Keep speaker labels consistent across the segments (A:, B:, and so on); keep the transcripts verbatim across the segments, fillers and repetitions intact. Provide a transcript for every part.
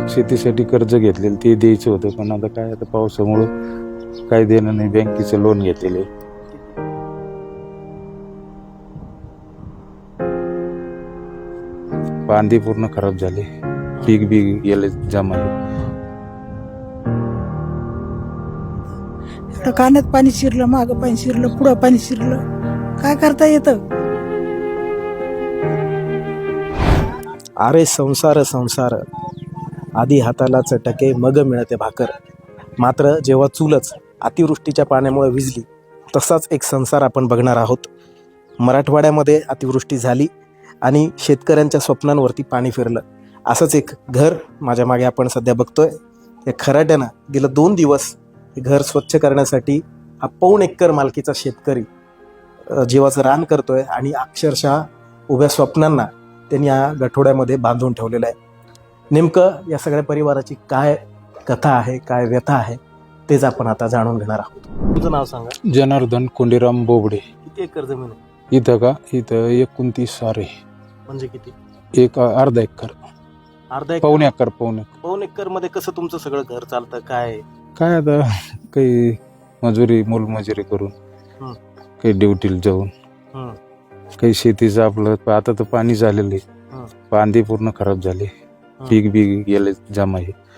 A: शेतीसाठी कर्ज घेतलेलं ते द्यायचं होतं, पण आता काय आता पावसामुळं काय देणं नाही. बँकेचं लोन घेतलेलं आहे. कांदे पूर्ण खराब झाले, पीक बी गेले जमा.
B: कानात पाणी शिरलं, मागं पाणी शिरलं, पुढं पाणी शिरलं, काय करता येतं?
C: अरे संसार संसार, आधी हाताला चटके मग मिळते भाकर. मात्र जेव्हा चूलच अतिवृष्टीच्या पाण्यामुळे विझली, तसाच एक संसार आपण बघणार आहोत. मराठवाड्यामध्ये अतिवृष्टी झाली आणि शेतकऱ्यांच्या स्वप्नांवरती पाणी फिरलं. असंच एक घर माझ्या मागे आपण सध्या बघतोय. या खराट्यानं गेलं दोन दिवस हे घर स्वच्छ करण्यासाठी हा पाऊण एकर मालकीचा शेतकरी जीवाचं रान करतोय आणि अक्षरशः उभ्या स्वप्नांना त्यांनी या गठोड्यामध्ये बांधून ठेवलेलं आहे. नेमकं या सगळ्या परिवाराची काय कथा आहे, काय व्यथा आहे, तेच आपण आता जाणून घेणार आहोत. तुझं नाव सांगा.
A: जनार्दन कोंडीराम बोबडे.
C: किती एकर जमीन आहे?
A: इथं का इथं एकोणतीस सारे,
C: म्हणजे किती?
A: एक अर्धा एकर,
C: अर्धा एकर?
A: पावणे एकर. पावणे
C: पाऊण एकर मध्ये कसं तुमचं सगळं घर चालतं? काय
A: काय आता काही मजुरी मोलमजुरी करून,
C: हं.
A: काही ड्युटीला जाऊन,
C: हं.
A: काही शेतीचं आपलं. आता तर पाणी झालेलं
C: हं.
A: आहे, कांदे पूर्ण खराब झाले,
C: हं.
A: पीक बी गेले जमा.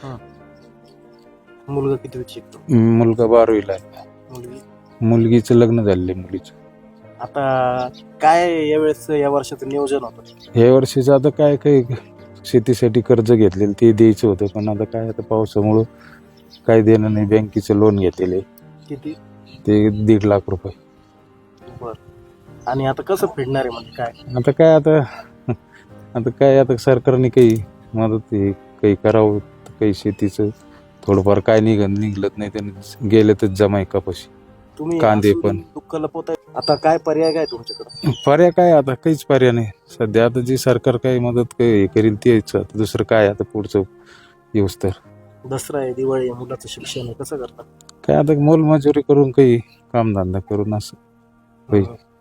C: मुलगा किती शिकतो?
A: मुलगा बारावीला आहे.
C: मुलगी?
A: मुलगीचं लग्न झालेलं आहे मुलीचं.
C: आता काय यावेळेस या वर्षाचं नियोजन होतं?
A: या वर्षीचं आता काय काही शेतीसाठी कर्ज घेतलेलं ते द्यायचं होतं, पण आता काय आता पावसामुळं काय देणं नाही. बँकेचं लोन घेतलेलं आहे.
C: किती? ते
A: दीड लाख रुपये.
C: बर. आणि आता कसं फेडणार आहे? म्हणजे काय
A: आता काय आता आता काय आता सरकारने काही मदत हे काही करावं, काही शेतीचं थोडंफार काय निघ निघलत नाही त्यांनी गेले तर जमाय कपाशी,
C: तुम्ही
A: कांदे
C: असून
A: पण.
C: दुःख लपवताय. आता काय पर्याय काय तुमच्याकडे?
A: पर्याय काय आता काहीच पर्याय नाही सध्या. आता जी सरकार काही मदत काही करील तेच. आता दुसरं काय आता पुढचं येऊस तर.
C: दसरा आहे, दिवाळी आहे, मुलाचं शिक्षण आहे, कसं करतात?
A: काय आता मोलमजुरी करून काही कामधंदा करून असं होईल.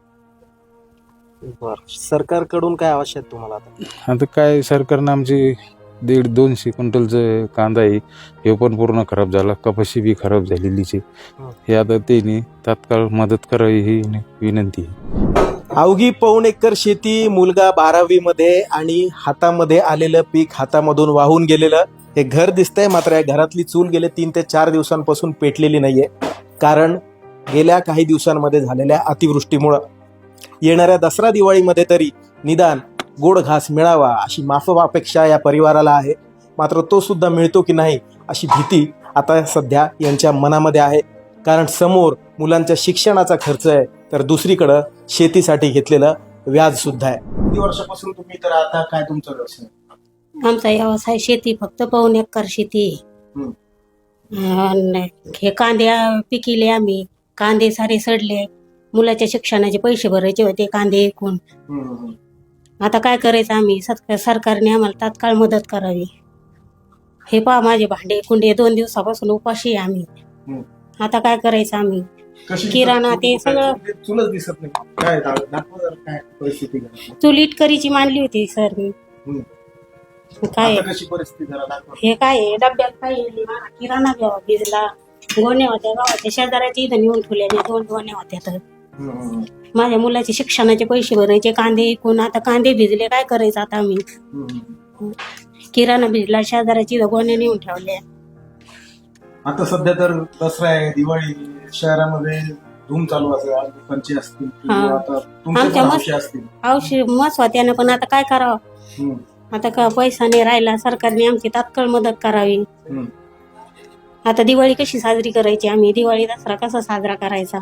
C: बर. सरकारकडून काय आवश्यक आहे तुम्हाला आता?
A: आता काय सरकारनं आमची दीड दोनशे क्विंटलचं कांदा आहे, हे पण पूर्ण खराब झाला. कपाशी बी खराब झालेलीची. हे आता त्यांनी तात्काळ मदत करावी ही विनंती आहे.
C: अवघी पाऊण एकर शेती, मुलगा बारावी मध्ये आणि हातामध्ये आलेलं पीक हातामधून वाहून गेलेलं हे घर दिसतंय. मात्र या घरातली चूल गेले तीन ते चार दिवसांपासून पेटलेली नाहीये. कारण गेल्या काही दिवसांमध्ये झालेल्या अतिवृष्टीमुळं येणाऱ्या दसरा दिवाळीमध्ये तरी निदान गोड घास मिळावा अशी माफक अपेक्षा या परिवाराला आहे. मात्र तो सुद्धा मिळतो की नाही अशी भीती आता सध्या यांच्या मनामध्ये आहे. कारण समोर मुलांच्या शिक्षणाचा खर्च आहे, तर दुसरीकडं शेतीसाठी घेतलेलं व्याज सुद्धा आहे. किती वर्षापासून तुम्ही तर आता काय तुमचा व्यवसाय?
D: आमचा व्यवसाय शेती, फक्त पाऊण एकर शेती आहे. अन हे कांदे पिकिले आम्ही. कांदे सारे सडले. मुलाच्या शिक्षणाचे पैसे भरायचे होते कांदे ऐकून. आता काय करायचं आम्ही? सरकारने आम्हाला तात्काळ मदत करावी. हे पहा माझे भांडे कुंडे दोन दिवसापासून उपाशी आहे आम्ही. आता काय करायचं आम्ही? किराणा ते सगळं.
C: चुलच दिसत नाही. काय दाखवा जरा काय परिस्थिती?
D: चूल इटकरीची मांडली होती सर मी. काय
C: कशी परिस्थिती जरा दाखवा.
D: हे काय आहे? डब्यात काय किराणा घ्यावा भिजला. गोण्या होत्या गावाच्या शेजाऱ्याच्या इथं नेऊन ठेवल्या. दोन गोण्या होत्या. तर माझ्या मुलाचे शिक्षणाचे पैसे भरायचे कांदे ऐकून. आता कांदे भिजले, काय करायचं आता आम्ही? किराणा भिजला, शेजाऱ्याची इथं गोण्या नेऊन ठेवल्या.
C: आता सध्या तर दसरा आहे, दिवाळी, शहरामध्ये धूम चालू असेल, पंचे असतील,
D: आमच्या मस्त औषध मस्त होत्यानं. पण आता काय करावं? आता का पैसा नाही राहिला. सरकारने आमची तात्काळ मदत करावी. आता दिवाळी कशी साजरी करायची आम्ही? दिवाळी दसरा कसा साजरा करायचा?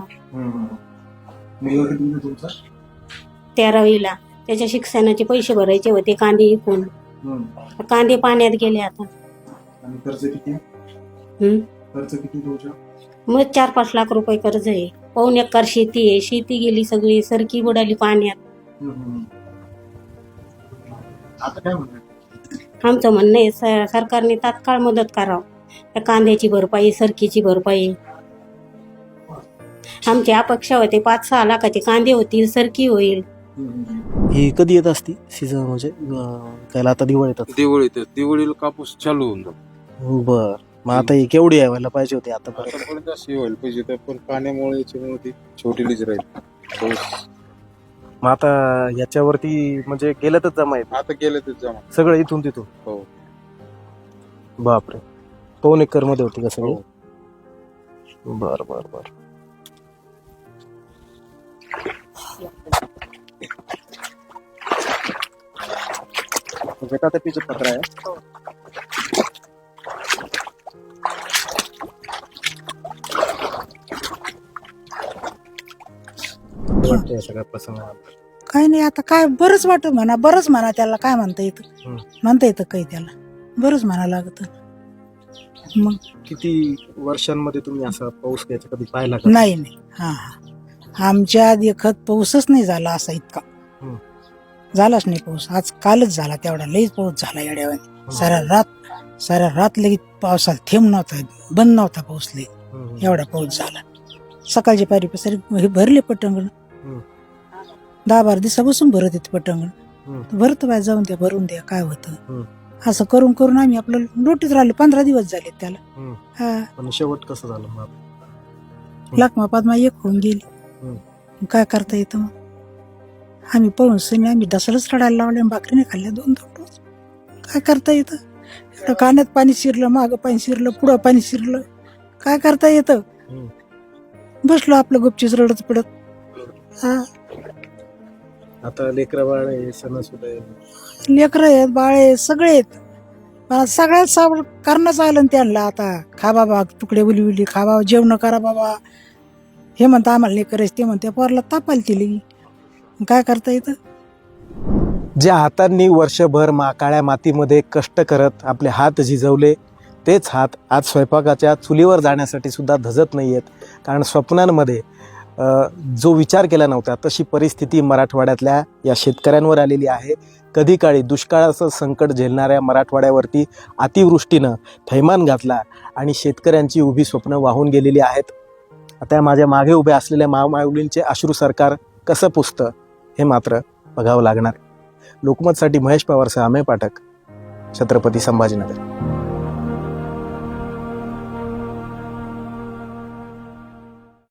D: तेरावीला त्याच्या शिक्षणाचे पैसे भरायचे होते कांदे विकून. कांदे पाण्यात गेले आता. मग चार पाच लाख रुपये कर्ज आहे. पाऊण एकर शेती आहे. शेती गेली सगळी, सरकी बुडाली पाण्यात. आमचं म्हणणं आहे सरकारने तात्काळ मदत करावं. कांद्याची भरपाई, सरकीची भरपाई. आमची अपेक्षा होते पाच सहा लाखाचे कांदे होतील, सरकी होईल.
C: ही कधी येत असती सीझन म्हणजे अं, कायला आता दिवाळी येतात
A: दिवाळीत दिवाळीला कापूस चालू होऊन जातो.
C: बर मग आता ही केवढी यायला पाहिजे होती आतापर्यंत
A: आतापर्यंत अशी व्हायला पाहिजे तर पण पाण्यामुळे याच्यामुळे ती छोटीलीच राहील. पाऊस
C: मग आता याच्यावरती म्हणजे गेलं तर जमा येत
A: आता गेलं तर जमा.
C: सगळं इथून तिथून
A: हो
C: बापरे पाऊन एकर मध्ये होती का सगळी
A: हो.
C: बर बर बर गटातपीचं पत्र आहे वाटतंय सगळ्या प्रसंगानंतर
B: काय नाही आता काय बरंच वाटत म्हणा बरंच म्हणा त्याला काय म्हणता येतं
C: हम्म.
B: म्हणता येतं काही त्याला बरंच म्हणा लागत मग
C: किती वर्षांमध्ये तुम्ही असा पाऊस घ्यायचा कधी पाहिला का
B: नाही नाही हा हा आमच्या आधी खत पाऊसच नाही झाला असा इतका
C: हम्म.
B: झालाच नाही पाऊस आज कालच झाला तेवढा लईच पाऊस झाला येड्यावानी साऱ्या रात साऱ्या रात लगेच पावसाला थेंब नव्हता बंद नव्हता पाऊस लई
C: हम्म.
B: एवढा पाऊस झाला सकाळची पारी पसरी हे भरले पटंगण
C: हम्म.
B: दहा बारा दिवसापासून भरत येते पटंगण
C: हम्म.
B: भरत बाय जाऊन द्या भरून द्या काय
C: हम्म.
B: होतं असं करून करून आम्ही आपलं नोटीस राहिलो पंधरा दिवस झाले त्याला
C: हम्म.
B: हा
C: पण शेवट कसं झालं मग
B: लाखमा पादमा एक होऊन गेली
C: हम्म.
B: काय करता येतं मग आम्ही पाहून सनी आम्ही दसरच रडायला लावले आणि भाकरीने खाल्ल्या दोन दोन रोज काय करता येतं एवढं कानात पाणी शिरलं मागं पाणी शिरलं पुढं पाणी शिरलं काय करता येतं
C: हम्म.
B: बसलो आपलं गुपचीच रडत पडत हा
C: आता लेकरा बाळ आहे सणासुद आहे
B: लेकरं आहेत बाळ आहेत सगळे आहेत मला सगळ्यात सावड करणंच आलं ना त्यांना आता खा बाबा तुकडे उली उली खा बाबा जेवण करा बाबा हे म्हणता आम्हाला नाही करायचं ते म्हणते पोरला तापाल तिली काय करता येतं
C: ज्या हातांनी वर्षभर मा काळ्या मातीमध्ये कष्ट करत आपले हात झिजवले तेच हात आज स्वयंपाकाच्या चुलीवर जाण्यासाठी सुद्धा धजत नाही आहेत कारण स्वप्नांमध्ये अ, जो विचार केला नव्हता तशी परिस्थिती मराठवाड्यातल्या या शेतकऱ्यांवर आलेली आहे. कधी काळी दुष्काळाचं संकट झेलणाऱ्या मराठवाड्यावरती अतिवृष्टीनं थैमान घातला आणि शेतकऱ्यांची उभी स्वप्न वाहून गेलेली आहेत. आता माझ्या मागे उभे असलेल्या माऊमाऊलींचे अश्रू सरकार कसं पुसतं हे मात्र बघावं लागणार. लोकमतसाठी महेश पवारसह अमेय पाठक, छत्रपती संभाजीनगर.